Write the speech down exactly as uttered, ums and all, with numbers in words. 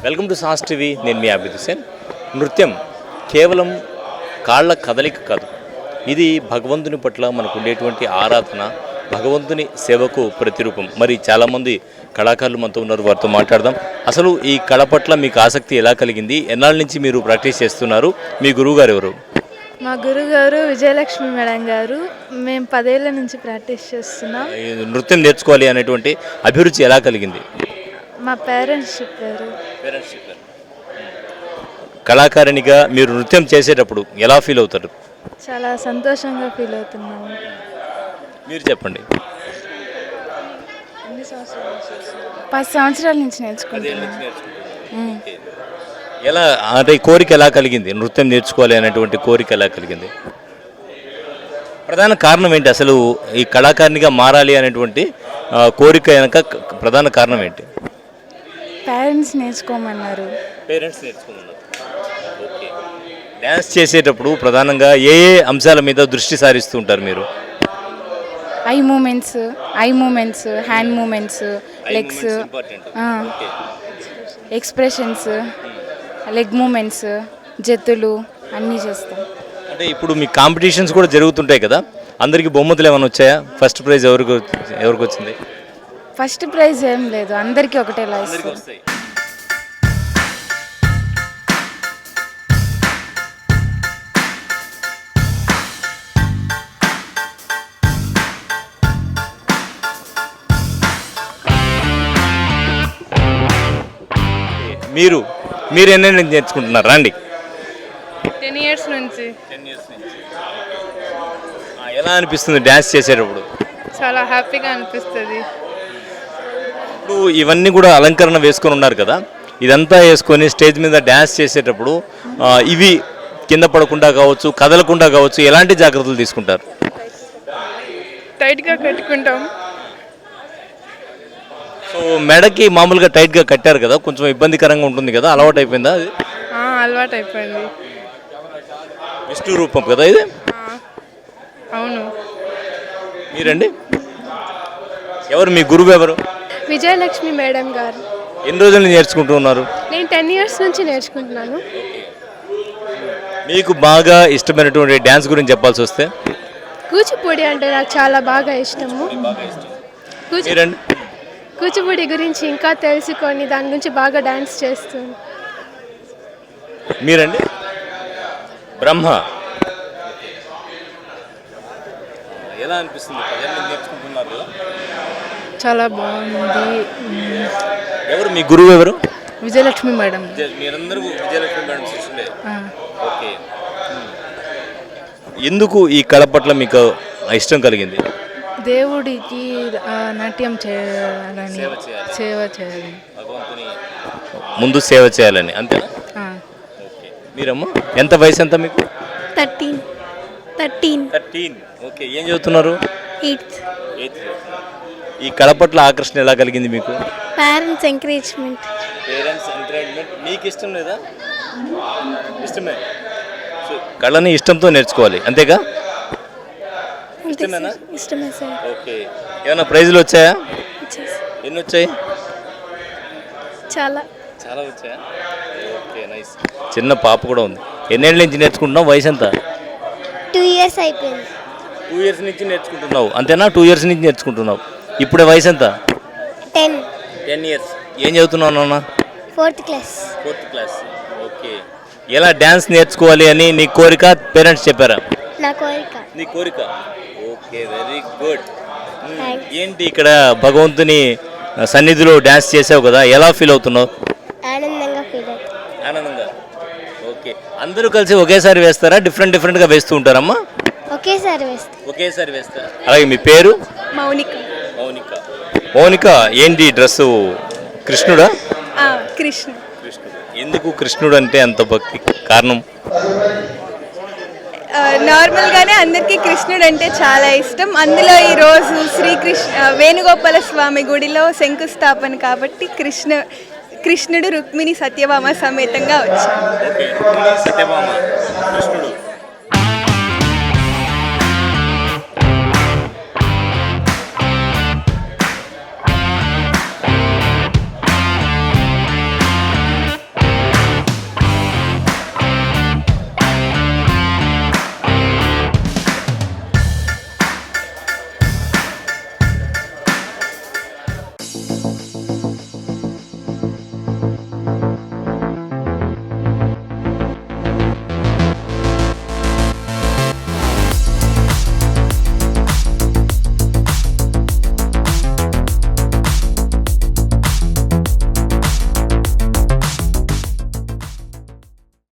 Welcome to sauce TV. నేను మీ అభిద్ హుసేన్. నృత్యం కేవలం కాళ్ళ కదలిక కాదు, ఇది భగవంతుని పట్ల మనకు ఉండేటువంటి ఆరాధన, భగవంతుని సేవకు ప్రతిరూపం. మరి చాలామంది కళాకారులు మనతో ఉన్నారు, వారితో మాట్లాడదాం. అసలు ఈ కళ పట్ల మీకు ఆసక్తి ఎలా కలిగింది? ఎన్నాళ్ళ నుంచి మీరు ప్రాక్టీస్ చేస్తున్నారు? మీ గురువు గారు ఎవరు? మా గురుగారు విజయలక్ష్మి మేడం గారు. మేము పదేళ్ల నుంచి ప్రాక్టీస్ చేస్తున్నాం. ఈ నృత్యం నేర్చుకోవాలి అనేటువంటి అభిరుచి ఎలా కలిగింది? మా పేరెంట్స్ చెప్పారు. పేరెంట్స్ చెప్పారు. కళాకారిణిగా మీరు నృత్యం చేసేటప్పుడు ఎలా ఫీల్ అవుతారు? చాలా సంతోషంగా ఫీల్ అవుతున్నాము. మీరు చెప్పండి. పది సంవత్సరాల నుంచి నేర్చుకుంటున్నాను. ఎలా అంటే కోరిక ఎలా కలిగింది? నృత్యం నేర్చుకోవాలి అనేటువంటి కోరిక ఎలా కలిగింది? ప్రధాన కారణం ఏంటి? అసలు ఈ కళాకారిణిగా మారాలి అనేటువంటి కోరిక వెనక ప్రధాన కారణం ఏంటి? పేరెంట్స్ నేర్చుకోమన్నారు. పేరెంట్స్ నేర్చుకోమన్నారు. ఓకే. డ్యాన్స్ చేసేటప్పుడు ప్రధానంగా ఏ ఏ అంశాల మీద దృష్టి సారిస్తూ ఉంటారు మీరు? Eye movements eye movements hand movements, legs, expressions, leg movements, జత్తులు అన్నీ చేస్తాం. అంటే ఇప్పుడు మీ కాంపిటీషన్స్ కూడా జరుగుతుంటాయి కదా, అందరికీ బహుమతులు ఏమైనా వచ్చాయా? ఫస్ట్ ప్రైజ్ ఎవరికి ఎవరికి వచ్చింది? ఫస్ట్ ప్రైజ్ ఏం లేదు, అందరికీ ఒకటేలా ఇస్తాం. మీరు మీరు ఎన్ని నుంచి నేర్చుకుంటున్నారు? రండి. టెన్ ఇయర్స్ నుంచి. ఎలా అనిపిస్తుంది డ్యాన్స్ చేసేటప్పుడు? చాలా హ్యాపీగా అనిపిస్తుంది. ఇప్పుడు ఇవన్నీ కూడా అలంకరణ వేసుకొని ఉన్నారు కదా, ఇదంతా వేసుకొని స్టేజ్ మీద డ్యాన్స్ చేసేటప్పుడు ఇవి కింద పడకుండా కావచ్చు, కదలకుండా కావచ్చు, ఎలాంటి జాగ్రత్తలు తీసుకుంటారు? టైట్గా కట్టుకుంటాం. సో మెడకి మామూలుగా టైట్గా కట్టారు కదా, కొంచెం ఇబ్బందికరంగా ఉంటుంది కదా, అలవాటు అయిపోయిందా? అది అలవాటు అయిపోయింది. విష్ణు రూపం కదా ఇది? అవును. మీరండి? ఎవరు మీ గురువు? ఎవరు? విజయలక్ష్మి మేడం గారు. ఎన్ని రోజులు నుంచి నేర్చుకుంటూ ఉన్నారు? నేను టెన్ ఇయర్స్ నుంచి నేర్చుకుంటున్నాను. మీకు బాగా ఇష్టమైనటువంటి డ్యాన్స్ గురించి చెప్పాల్సి వస్తే? కూచిపూడి అంటే నాకు చాలా బాగా ఇష్టము. కూచి మీరండి? కూచిపూడి గురించి ఇంకా తెలుసుకొని దాని గురించి బాగా డ్యాన్స్ చేస్తాను. మీరండి? బ్రహ్మ. ఎలా అనిపిస్తుంది? నేర్చుకుంటున్నారు. చాలా బాగుంది. ఎవరు మీ గురువు? ఎవరు? విజయలక్ష్మి మేడం. మీరందరూ విజయలక్ష్మి మేడం శిష్యులే. ఓకే. ఎందుకు ఈ కళ పట్ల మీకు ఇష్టం కలిగింది? దేవుడికి నాట్యం చేయాలని, సేవ చేయాలి, భగవంతుని ముందు సేవ చేయాలని, అంతేనా? ఓకే. మీరమ్మా ఎంత వయసు? ఎంత మీకు? Thirteen thirteen thirteen okay. ఏం చదువుతున్నారు? Eighth eighth. ఈ కళ పట్ల ఆకర్షణ ఎలా కలిగింది మీకు? Parents encouragement. Parents encouragement. మీకు ఇష్టం లేదా? ఇష్టమే. కళని ఇష్టంతో నేర్చుకోవాలి, అంతేగా? ఇష్టమేనా? ఇష్టమే సార్. ఓకే. ఏమైనా ప్రైజులు వచ్చాయా? ఎన్ని వచ్చాయి? చాలా చాలా వచ్చాయా? Okay, nice. చిన్న పాప కూడా ఉంది. ఎన్నేళ్ళ నుంచి నేర్చుకుంటున్నావు? వయసు ఎంత? టూ ఇయర్స్ అయిపోయింది. టూ ఇయర్స్ నుంచి నేర్చుకుంటున్నావు, అంతేనా? టూ ఇయర్స్ నుంచి నేర్చుకుంటున్నావు. ఇప్పుడే వయసు ఎంత? Ten ten years. ఏం చదువుతున్నావు నాన్న? Fourth class. Fourth class. Okay. ఎలా డ్యాన్స్ నేర్చుకోవాలి అని నీ కోరిక? పేరెంట్స్ చెప్పారా? నా కోరిక. నీ కోరిక. Okay, very good. ఏంటి ఇక్కడ భగవంతుని సన్నిధిలో డ్యాన్స్ చేసావు కదా, ఎలా ఫీల్ అవుతున్నావు? ఆనందంగా ఫీల్ అవుతుంది. ఆనందంగా. ఓకే. అందరూ కలిసి ఒకేసారి వేస్తారా? డిఫరెంట్ డిఫరెంట్గా వేస్తూ ఉంటారమ్మా? ఒకేసారి వేస్తా. ఒకేసారి వేస్తా. అలాగే మీ పేరు? మౌనిక. మౌనిక. మౌనిక, ఏంటి డ్రెస్సు? కృష్ణుడా? కృష్ణ. కృష్ణుడు. ఎందుకు కృష్ణుడు అంటే అంత భక్తి? కారణం? నార్మల్గానే అందరికీ కృష్ణుడు అంటే చాలా ఇష్టం. అందులో ఈరోజు శ్రీకృష్ణ వేణుగోపాల స్వామి గుడిలో శంకుస్థాపన కాబట్టి కృష్ణ కృష్ణుడు రుక్మిణి సత్యభామ సమేతంగా వచ్చారు. సత్యభామ కృష్ణుడు